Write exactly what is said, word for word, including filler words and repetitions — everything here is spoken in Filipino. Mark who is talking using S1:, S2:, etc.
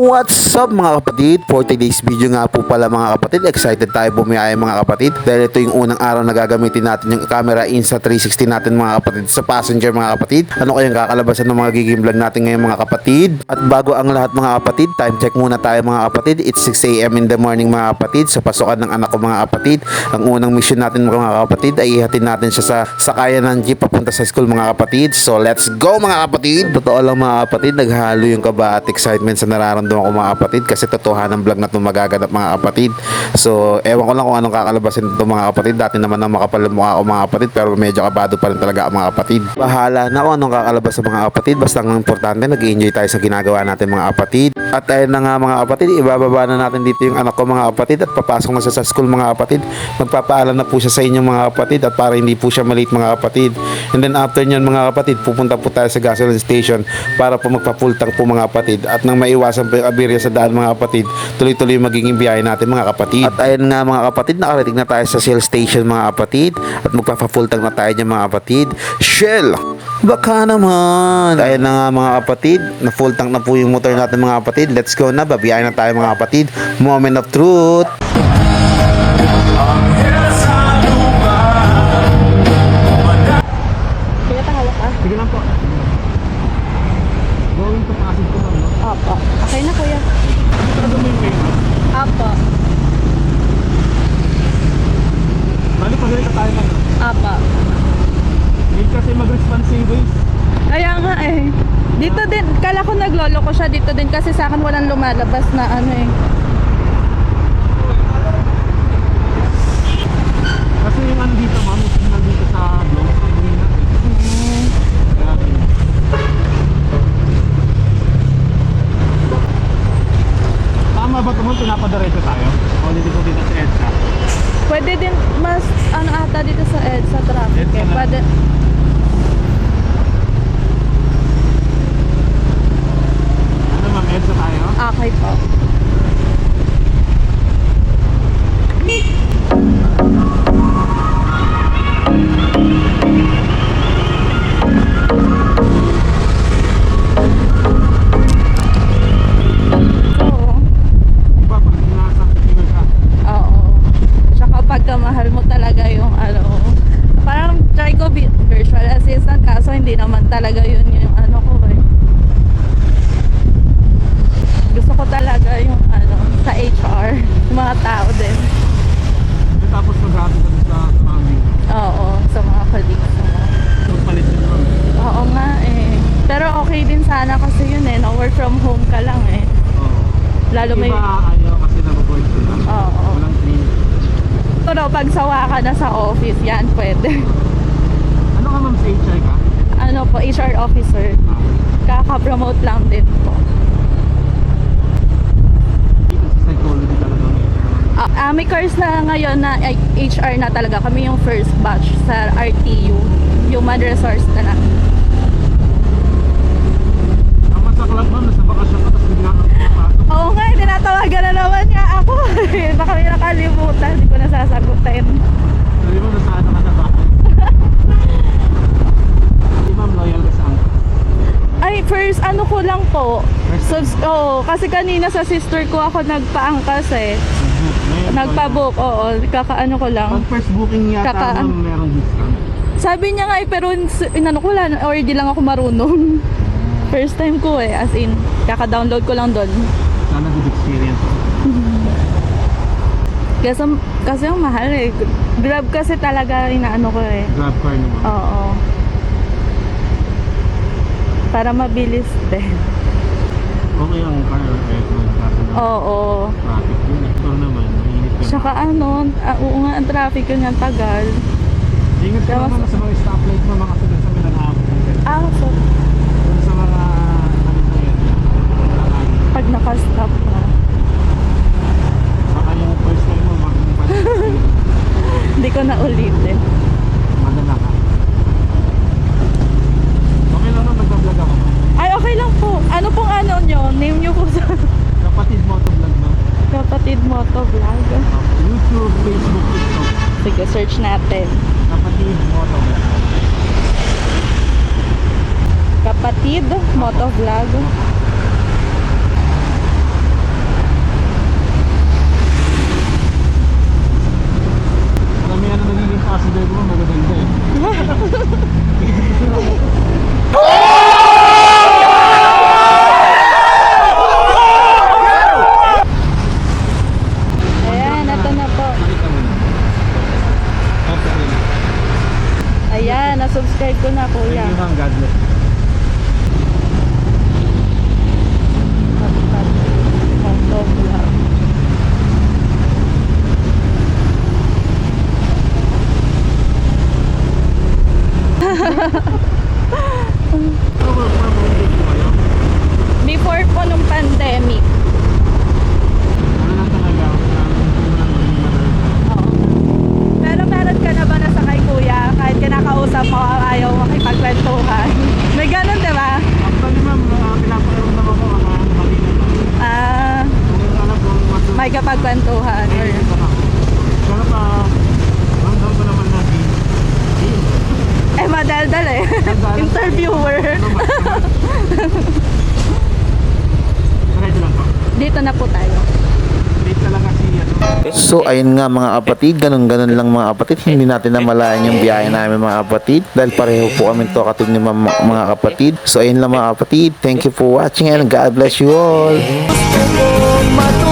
S1: What's up mga kapatid? For today's video nga po pala mga kapatid, excited tayo bumiyaya mga kapatid dahil ito yung unang araw na gagamitin natin yung camera Insta three sixty natin mga kapatid sa passenger mga kapatid. Ano kayang kakalabasan ng mga gigim vlog natin ngayon mga kapatid? At bago ang lahat mga kapatid, time check muna tayo mga kapatid. It's six a m in the morning mga kapatid sa pasukan ng anak ko mga kapatid. Ang unang mission natin mga kapatid ay ihatid natin siya sa sakayan ng jeep papunta sa school mga kapatid. So let's go mga kapatid! Totoo lang mga kapatid, naghalo yung kaba at excitement sa nararamdaman nararamdaman ko mga kapatid kasi totohanan ng vlog na itong magaganap mga kapatid. So ewan ko lang kung anong kakalabasin ito mga kapatid. Dati naman na makapal mukha ako mga kapatid pero medyo kabado pa rin talaga mga kapatid. Bahala na kung anong kakalabas sa mga kapatid. Basta ang importante nag-enjoy tayo sa ginagawa natin mga kapatid. At ayun na nga mga kapatid, ibababa na natin dito yung anak ko mga kapatid at papasok na siya sa school mga kapatid. Magpapaalam na po siya sa inyong mga kapatid at para hindi po siya malate mga kapatid. And then after nyan mga kapatid, pupunta po tayo sa gasoline station para po magpa-full tank po mga kapatid. At nang maiwasan po yung abirya sa daan mga kapatid, tuloy-tuloy magiging biyahe natin mga kapatid. At ayun nga mga kapatid, nakarating na tayo sa Shell station mga kapatid at magpa-full tank na tayo dyan mga kapatid. Shell! Baka naman! Ayun na nga mga kapatid, na full tank na po yung motor natin mga kapatid. Let's go na, babiyahe na tayo mga kapatid. Moment of truth!
S2: Kaya tahawak ka?
S3: Sige lang po. Going to Pasig po ma'am, no?
S2: Opo. Okay na kuya.
S3: Ano mo yung kayo?
S2: Opo.
S3: Bali pa rin ka tayo ma'am.
S2: Opo.
S3: Need kasi mag-responsive ways.
S2: Kaya nga eh. Dito din, kala ko naglolo ko siya dito din kasi sa akin walang lumalabas na ano eh.
S3: Kasi yung ano dito ma'am, yung nandito sa vlog, hindi na eh.
S2: Hmm.
S3: Kaya yun. Tama ba ito ma'am, pinapadiretso tayo? O hindi ko dito sa EDSA?
S2: Pwede din mas ano ata dito sa ed sa traffic
S3: EDSA
S2: eh.
S3: na.
S2: Pwede.
S3: Ano ma'am, EDSA tayo?
S2: Okay po. Oo.
S3: Iba pag nasa tingin ka.
S2: Oo. Tsaka pagka mahal mo talaga yung ano, parang try ko bi- virtual assistant kaso hindi naman talaga yun yung ano ko eh. Gusto ko talaga yung ano, sa H R, yung mga tao din.
S3: Eh, tapos mag-happy ka sa family.
S2: Oo, sa mga colleagues mo.
S3: So palit yun ma'am.
S2: Oo nga eh. Pero okay din sana kasi yun eh, no? Work from home ka lang eh.
S3: Oo.
S2: Lalo may...
S3: Iba ayaw kasi nababoard sila.
S2: Oo.
S3: Walang clean.
S2: Pero pag sawa ka na sa office, yan pwede.
S3: Ano ka ma'am, sa H R ka?
S2: Ano po, H R officer.
S3: Ah,
S2: Kaka-promote lang din po.
S3: dito sa psychology talaga ng H R.
S2: Ah, ah, may course na ngayon na ay, H R na talaga. Kami yung first batch sa R T U. Human Resource na lang.
S3: Ang masaklap ma'am, nasa bakasyon ka tapos bigla kang pumapasok.
S2: Oo nga, eh, tinatawagan na naman nga ako. Baka may nakalimutan. Hindi ko nasasagutin.
S3: Sabi mo, nasa ano ka na ba? Hindi ma'am, loyal ka sa angka.
S2: Ay, first ano ko lang po.
S3: First
S2: Subs oh, kasi kanina sa sister ko ako nagpaangkas eh.
S3: Book. Ngayon,
S2: Nagpa-book, oo. Kakaano ko lang.
S3: Pag first booking yata
S2: Kaka-
S3: ma'am, merong discount.
S2: Sabi niya nga eh, pero s- inano ko lang, or di lang ako marunong. First time ko eh, as in, kaka-download ko lang doon.
S3: Sana good experience.
S2: Kasi, kasi ang mahal eh. Grab kasi talaga inaano ko eh.
S3: Grab car naman.
S2: Oo. Para mabilis din.
S3: Okay ang car or aircon. Kaso na
S2: Oo.
S3: traffic yun. Ito naman, mainit ka.
S2: Tsaka ano, ah, oo nga, ang traffic yun yung tagal.
S3: Ingat ka
S2: Tapos-
S3: naman sa mga stoplight mo, mga sunod sa Milanao.
S2: Ah, so,
S3: Doon sa mga ano po yan. Milanao.
S2: pag nakastop na.
S3: Baka yung first time mo, maging pansin.
S2: Hindi ko na ulitin.
S3: Madala ka. Okay lang nung nagbablog ako.
S2: Ay, okay lang po. Ano pong ano nyo? Name nyo po sa
S3: Kapatid mo ito vlog mo.
S2: Kapatid Moto Vlog.
S3: YouTube, Facebook, TikTok.
S2: Sige, search natin.
S3: Kapatid mo ito vlog.
S2: Kapatid Moto Vlog. makikapagkwentuhan. Or,
S3: Dito na. Pero pa, ramdam ko naman na di. Di.
S2: eh, madaldal eh.
S3: Madaldal.
S2: Interviewer.
S3: Ano ba? Diretso lang po.
S2: Dito na po tayo.
S3: Late talaga si ano.
S1: So ayun nga mga kapatid, ganun-ganun lang mga kapatid. Hindi natin namalayan yung biyahe namin mga kapatid dahil pareho po kami to katid ni mga, mga kapatid. So ayun lang mga kapatid, thank you for watching and God bless you all.